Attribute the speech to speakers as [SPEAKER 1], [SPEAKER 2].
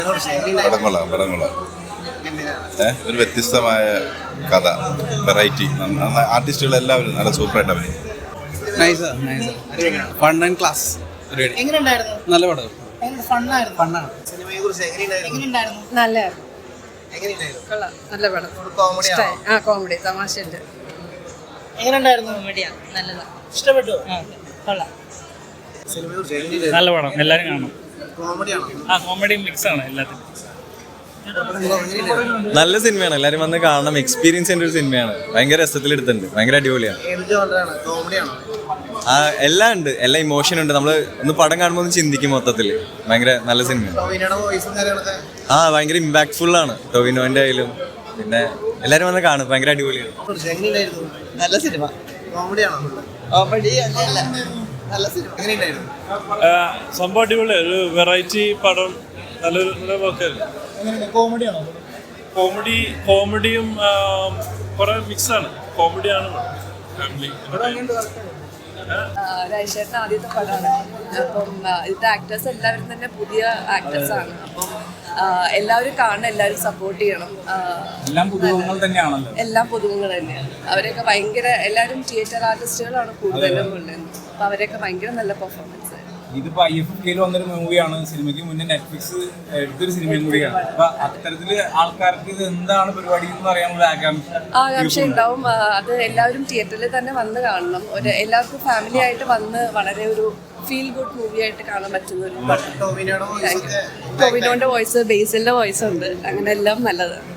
[SPEAKER 1] പടങ്ങളാണ് ഒരു വ്യത്യസ്തമായ കഥ, വെറൈറ്റി, ആർട്ടിസ്റ്റുകൾ എല്ലാവരും നല്ല സൂപ്പറായിട്ട് അഭിനയിക്കും.
[SPEAKER 2] Fun and class. നല്ല പടം.
[SPEAKER 3] നല്ല പടം. കോമഡി തമാശയുണ്ട്.
[SPEAKER 4] ഇഷ്ടപ്പെട്ടു.
[SPEAKER 5] നല്ല പടം, എല്ലാരും കാണും. കോമഡി മിക്സ് ആണ് എല്ലാത്തിനും.
[SPEAKER 6] നല്ല സിനിമയാണ്, എല്ലാരും വന്ന് കാണണം. എക്സ്പീരിയൻസ് ചെയ്യേണ്ട ഒരു സിനിമയാണ്. ഭയങ്കര രസത്തിലെടുത്തിട്ടുണ്ട്, ഭയങ്കര അടിപൊളിയാണ്. എല്ലാം ഉണ്ട്, എല്ലാ ഇമോഷൻ ഉണ്ട്. നമ്മള് ഒന്ന് പടം കാണുമ്പോൾ ഒന്ന് ചിന്തിക്കും. മൊത്തത്തില് ഭയങ്കര നല്ല സിനിമയാണ്. ഭയങ്കര ഇമ്പാക്ട്ഫുൾ ആണ് ടോവിനോന്റെ ആയാലും. പിന്നെ എല്ലാരും വന്ന് കാണും, ഭയങ്കര അടിപൊളിയാണ്.
[SPEAKER 4] നല്ല സിനിമ.
[SPEAKER 5] സംഭവം അടിപൊളി, ഒരു വെറൈറ്റി പടം. നല്ലൊരു വർക്കല്ലേ. കോമഡിയും കുറെ മിക്സ് ആണ്. കോമഡിയാണ്
[SPEAKER 3] രാജേട്ടൻ ആദ്യത്തെ പടമാണ്. അപ്പം ഇതിന്റെ ആക്ടേഴ്സ് എല്ലാവരും തന്നെ പുതിയ ആക്ടേഴ്സ് ആണ്. അപ്പം എല്ലാവരും കാണണം, എല്ലാവരും സപ്പോർട്ട് ചെയ്യണം.
[SPEAKER 2] എല്ലാം പുതുമുഖങ്ങൾ തന്നെയാണല്ലോ.
[SPEAKER 3] എല്ലാം പുതുമുഖങ്ങൾ തന്നെയാണ്. അവരൊക്കെ ഭയങ്കര, എല്ലാവരും തിയേറ്റർ ആർട്ടിസ്റ്റുകളാണ് കൂടുതലും ഉള്ളത്. അപ്പൊ അവരൊക്കെ ഭയങ്കര നല്ല പെർഫോമൻസ്.
[SPEAKER 2] ഇതിപ്പോ IFFK വന്നൊരു മൂവിയാണ്. സിനിമയ്ക്ക് മുന്നേ നെറ്റ്ഫ്ലിക്സ് എടുത്തൊരു സിനിമയും കൂടിയാണ്. അപ്പൊ അത്തരത്തില് ആൾക്കാർക്ക് ഇത് എന്താണ് പരിപാടി എന്ന് അറിയാനുള്ള
[SPEAKER 3] ആകാംക്ഷ ഉണ്ടാവും. അത് എല്ലാവരും തിയേറ്ററിൽ തന്നെ വന്ന് കാണണം. എല്ലാവർക്കും ഫാമിലി ആയിട്ട് വന്ന് വളരെ ഒരു ഫീൽ ഗുഡ് മൂവി ആയിട്ട് കാണാൻ പറ്റുന്ന ഒരു ടോവിനോന്റെ വോയിസ്, ബേസിലിന്റെ വോയിസ് ഉണ്ട്. അങ്ങനെ എല്ലാം നല്ലതാണ്.